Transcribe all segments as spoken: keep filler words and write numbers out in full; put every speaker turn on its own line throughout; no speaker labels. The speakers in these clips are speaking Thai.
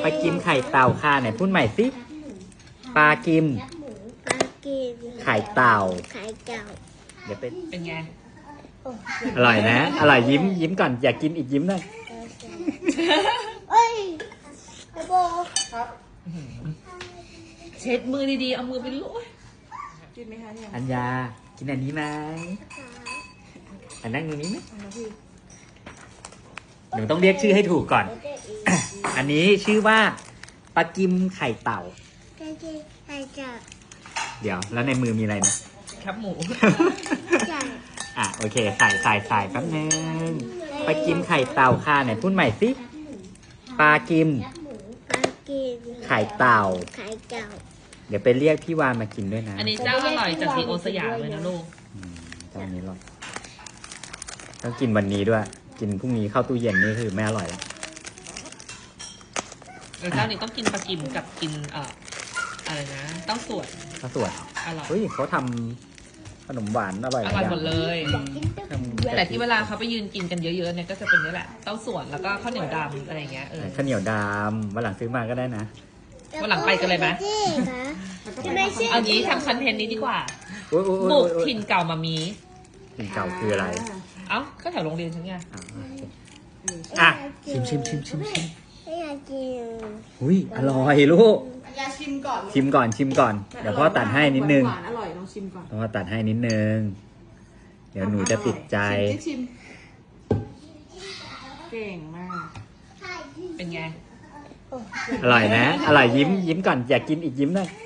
ปลากิมไข่เต่าค่ะไหนพูดใหม่สิปลากิม
ปลากิม
ไข่เต่า
ไข่เต่า
เดี๋ยวเป็น
เป็นไง
อร่อยนะอร่อยยิ้มยิ้มก่อนอยากกินอีกยิ้มหน่อย
เอ้ยไอโบ
เช็ดมือดีๆ เอามือไปลูบกินไหมคะเนี่ย
อัญญากินอันนี้ไหมอันนั่งตรงนี้ไหมหนูต้องเรียกชื่อให้ถูกก่อน อันนี้ชื่อว่าปลากิมไข่เต่า
ไข่ไข่เต่า
เดี๋ยวแล้วในมือมีอะไรนะ
ครับหมู
ไก่
อ่ะโอเคใส่ใส่ใส่แป๊บนึงปลากิมไข่เต่าค่ะไหนพูดใหม่สิปลากิม
ปลากิม
ไข่เต่า
ไข่เต่า
เดี๋ยวไปเรียกพี่วานมากินด้วยนะ
อันนี้เจ้าอร่อยจากดีโอสยามเลยนะลูก
อืมเจ้านี้หรอกต้องกินวันนี้ด้วย กินพรุ่งนี้เข้าตู้เย็นนี่คือไม่อร่อยแล้ว
เออเจ้านี้ต้องกินปลากิมกับกินเอ่ออะไรนะเต้าส่วน
ข้าวสวย
อร่อย
เฮ้ยเขาทำขนมหวานอร่อย
อร่อยหมดเลย
ทำ
แต่ที่เวลาเขาไปยืนกินกันเยอะๆเนี่ยก็จะเป็นนี่แหละเต้าส่วนแล้วก็ข้าวเหนียวดำอะไรอย่างเงี้ยเออ
ข้าวเหนียวดำวันหลังซื้อมาก็ได้นะ
วันหลังไปกันเลยไหม
ใช่ไหมใช่
เอางี้ทำคอนเทนต์นี้ดีกว่า
โอ๊ยโอ๊ยโอ๊ย
บุก
โอ๊ย
ถิ่นเก่ามามี
ถิ่นเก่าคืออะไร
เอ้าก็แถวโรงเรียนฉันไง
อ่าอ่ะชิมชิมชิมชิมชิม
ไม่อยากกิน
อุ้ยอร่อยลูก
ยาชิมก่อน
ชิมก่อนชิมก่อนเดี๋ยวพ่อตัดให้นิดนึง
หวานๆอร่อยลองชิมก่อน
พ่อตัดให้นิดนึงเดี๋ยวหนูจะติดใจ
ชิมสิชิมเก่งมาก
เป็นไง
อร่อยนะอร่อยยิ้มยิ้มก่อนอยากกินอีกยิ้มหน่อย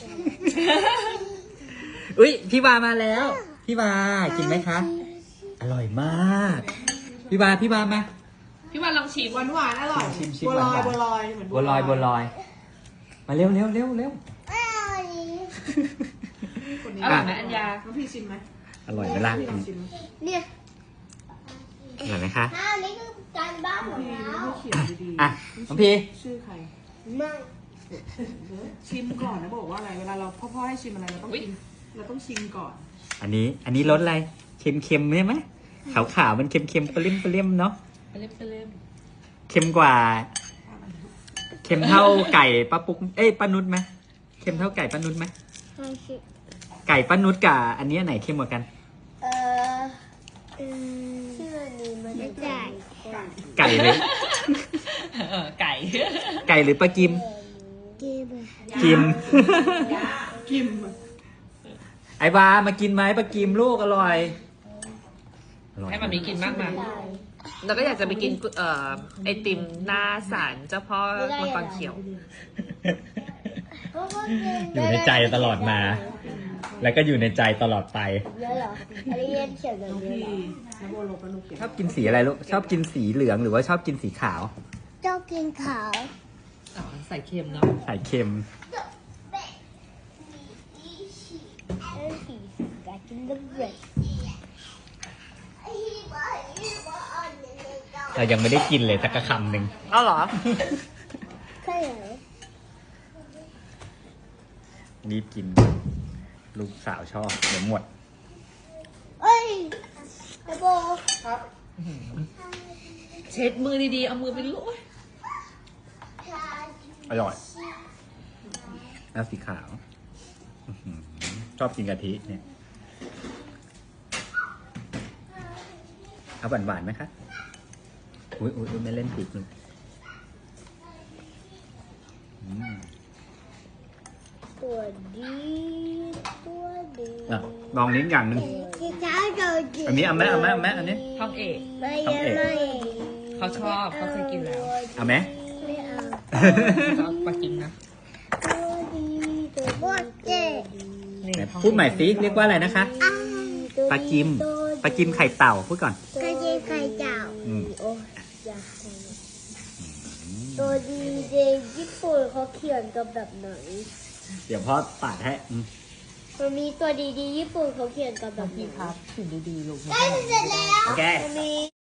อุ้ยพี่วามาแล้ว พี่วากินไหมคะ อร่อยมาก พี่วาพี่วามา
พี่วันลองชิม
หวานหวานๆอร่อย
ชิมชิม
บัวลอย
หวานๆ
บัวลอยเหมือน
บัวลอยบัวลอย มาเร็วเร็วเร็วเร็ว
คนนี้
อร่อยไหมอัญญา
น้องพี่ชิมไหม
อร่อยไหมล่ะ
พี่ลองชิมไหม
เนี่ย
อร่อยไหมคะ
อ้าวนี่คือการบ้านของ
พี่
เรา
ไม่เขียนดีๆ
อ่ะน้องพี่
ชื่อใคร
ไม่
ชิมก่อนนะบอกว่าอะไรเวลาเราพ่อๆให้ชิมอะไรเราต้องชิมเราต้องชิมก่อน
อันนี้อันนี้รสอะไรเค็มเค็มใช่ไหมขาวขาวๆมันเค็มเค็มๆเปรี้ยมเปรี้ยมเนาะ
ไปเล่มไปเล่ม
เค็มกว่า เค็มเท่าไก่ป้าปุ๊กเอ้ยป้านุชไหมเค็มเท่าไก่ป้านุชไหม
ไม่ใช่
ไก่ป้านุชกับอันนี้ไหนเค็มกว่ากัน
เออเออชื่ออันนี้มันไม่ได้
ไก่หรือ
เออไก่
ไก่หรือปลากิม
กิน
กิม
กิม
ไอ้บามากินไหมปลากิมลูกอร่อยอร่อย
ให้มันมีกินมากมาแล้วก็อยากจะไปกินเอ่อไอติมหน้าศาลเจ้าพ่อมังกรเขียว
อยู่ในใจตลอดมา แล้วก็อยู่ในใจตลอดไป
เยอะเหรออันนี้เรียนเขียนแบบ
น้อง
นี้
พี่
เหรอ
น้องโบโลปานุเขียน
ชอบกินสีอะไรลูกชอบกินสีเหลืองหรือว่าชอบกินสีขาว
เจ้ากินขาว
อ๋อใส่เค็มเนาะ
ใส่เค็ม
เอ้ยสีกากินเลือด
เรายังไม่ได้กินเลยสักคำหนึ่ง
เอาเหรอ
ใช่เหรอ
รีบกิน ลูกสาวชอบเดี๋ยวหมด
เอ้ยไอโบ
ครับ
เช็ดมือดีๆ เอามือไปลูบ
อร่อยแล้วสีขาวอื้อหือชอบกินกะทิเนี่ยเอาหวานๆไหมคะอุ้ยอุ้ยอุ๊ยไม่เล่นผิดเลยอืม
ตัวดีตัวดี
อ่ะลองนิ้นอย่างหนึ่ง
ที่เช้าตัวดี
อันนี้เอาไหมเอาไหมเอาไหมอันนี้
ท้องเอก
ไม่ยังไม่
เขาชอบเขาเคยกินแล้ว
เอาไหม
ไม่เอา
ชอบปลากิมนะ
ตัวดีตัวบดเจ๊
นี่
ไหน
ท้อง
พูดใหม่สิเรียกว่าอะไรนะคะ
อ้าว
ปลากิมปลากิมไข่เต่าพูดก่อน
กระเจี๊ยบไข่เจ้า
อืม
โอ้ยอยากให้ตัวดีเจญี่ปุ่นเขาเขียนกับแบบไหน
เดี๋ยวพ่อตัดให้อืม
มันมีตัวดีดีญี่ปุ่นเขาเขียนกับแบบไหน
พี่ครับถึงดีๆลูก
ใกล้เสร็จแล้ว
โอเค
มันมี